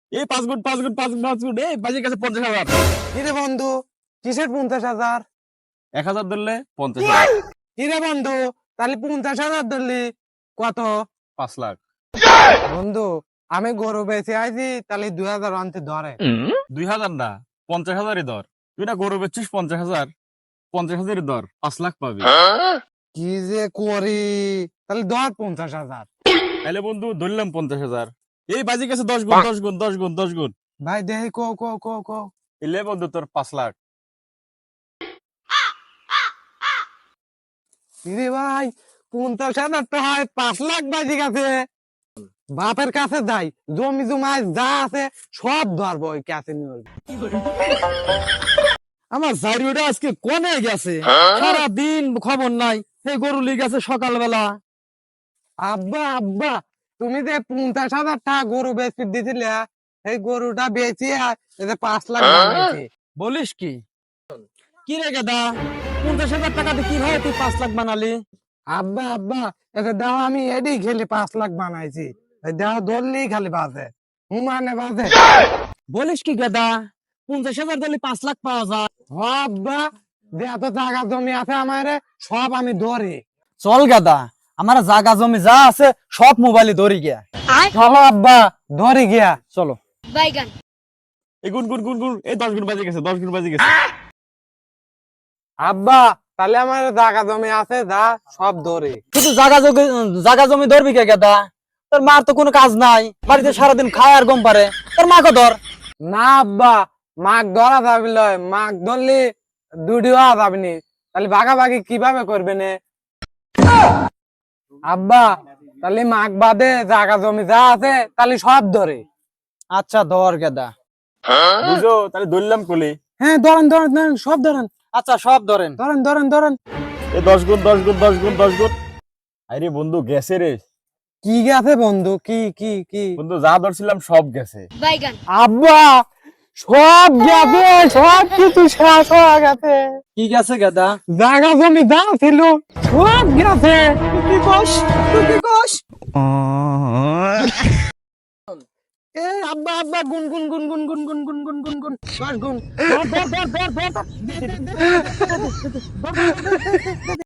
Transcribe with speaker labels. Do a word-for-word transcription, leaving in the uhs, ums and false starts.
Speaker 1: এই পাঁচ গুণ পাঁচ গুণ পাঁচ গুণ পাঁচ গুণ এই বাজির কাছে পঞ্চাশ হাজার।
Speaker 2: কিরে বন্ধু, কিসের পঞ্চাশ হাজার?
Speaker 1: এক হাজার ধরলে পঞ্চাশ হাজার।
Speaker 2: কিরে বন্ধু, তাহলে পঞ্চাশ হাজার ধরলি কত?
Speaker 1: পাঁচ লাখ।
Speaker 2: বন্ধু, আমি গরু বেঁচে আইছি, তাহলে দুই হাজার আনতে ধরে।
Speaker 1: দুই হাজার না, পঞ্চাশ হাজারই দর। তুই না গরু বেচছিস পঞ্চাশ হাজার, পঞ্চাশ হাজারই দর, পাঁচ লাখ পাবি।
Speaker 2: কি যে করি, তাহলে ধর পঞ্চাশ হাজার।
Speaker 1: তাহলে বন্ধু ধরলাম পঞ্চাশ হাজার। এই বাজির কাছে দশ গুণ দশ গুণ দশ গুণ দশ গুণ।
Speaker 2: ভাই দেখি কো কো কো কো।
Speaker 1: এলে বন্ধু তোর পাঁচ লাখ।
Speaker 2: কিরে ভাই, পঞ্চাশ হাজার টাকা পাঁচ লাখ বাজি গেছে। বাপের কাছে যাই, জমি জমায় যা আছে সব ধরবো ওই কাছে নিয়ে।
Speaker 3: আমার জারিওটা আজকে কোনে গেছে, সারা দিন খবর নাই। এই গরু লিগ আছে সকালবেলা।
Speaker 2: আব্বা আব্বা, তুমি যে পঞ্চাশ হাজার টাকা গরু বেচতে দিছিলে, এই গরুটা বেচে পাঁচ লাখ বানাইছে।
Speaker 3: বলিস কি? কি রে গেদা, পঞ্চাশ হাজার টাকাতে কিভাবে তুই পাঁচ লাখ বানালি?
Speaker 2: আব্বা আব্বা, এতে দাও আমি এডি খেলে পাঁচ লাখ বানাইছি। দাও ধরলেই খালি বাজে, হুমানে বাজে।
Speaker 3: বলিস কি গেদা, পঞ্চাশ হাজার দিলে পাঁচ লাখ পাওয়া যায়?
Speaker 2: হ আব্বা, যে এত জায়গা জমি আছে আমার, সব আমি ধরি।
Speaker 3: চল গেদা, আমার জাগা জমি যা আছে সব মোবাইলে ধরি গিয়া।
Speaker 2: চলো আব্বা, ধরি গিয়া।
Speaker 3: চলো।
Speaker 4: বাইগান।
Speaker 1: এই গুণ গুণ গুণ গুণ এই দশ গুণ বাজে গেছে, দশ গুণ বাজে গেছে।
Speaker 2: আব্বা, তাহলে আমার জায়গা জমি আছে যা সব ধরি।
Speaker 3: শুধু জাগা জমি জাগা জমি ধরবি কে গেদা? তোর মার তো কোনো কাজ নাই, বাড়িতে সারাদিন খায় আর গম পারে। তোর মাকে ধর।
Speaker 2: না আব্বা, মাগ ধরা যাবি লয়, মাগ ধরলি দুটি হওয়া যাবি নি, তাহলে ভাগাভাগি কিভাবে করবে নে? আব্বা, তাহলে মাগ বাদে জায়গা জমি যা আছে তাহলে সব ধরে।
Speaker 3: আচ্ছা ধর গেদা।
Speaker 1: বুঝো তাহলে ধরলাম কোলে।
Speaker 2: হ্যাঁ ধরেন ধরেন ধরেন, সব ধরেন
Speaker 3: আচ্ছা সব ধরেন।
Speaker 2: ধরেন ধরেন ধরেন।
Speaker 1: এই দশ গুণ দশ গুণ দশ গুণ দশ গুণ। আরে বন্ধু গেছে রে
Speaker 2: কি গেছে বন্ধু, কি কি কি?
Speaker 1: বন্ধু, যা ধরছিলাম সব গেছে।
Speaker 4: বাইগান।
Speaker 2: আব্বা, সব গেছে, সব কিছু শেষ হয়ে গেছে।
Speaker 3: কি গেছে গেদা?
Speaker 2: জায়গা জমি যা ছিল সব গেছে।
Speaker 3: কি কস তুই কি কস?
Speaker 2: এ আব্বা আব্বা, গুন গুন গুন গুন গুন গুন গুন গুন গুন গুন দশ গুন। ধর ধর ধর ধর ধর ধর।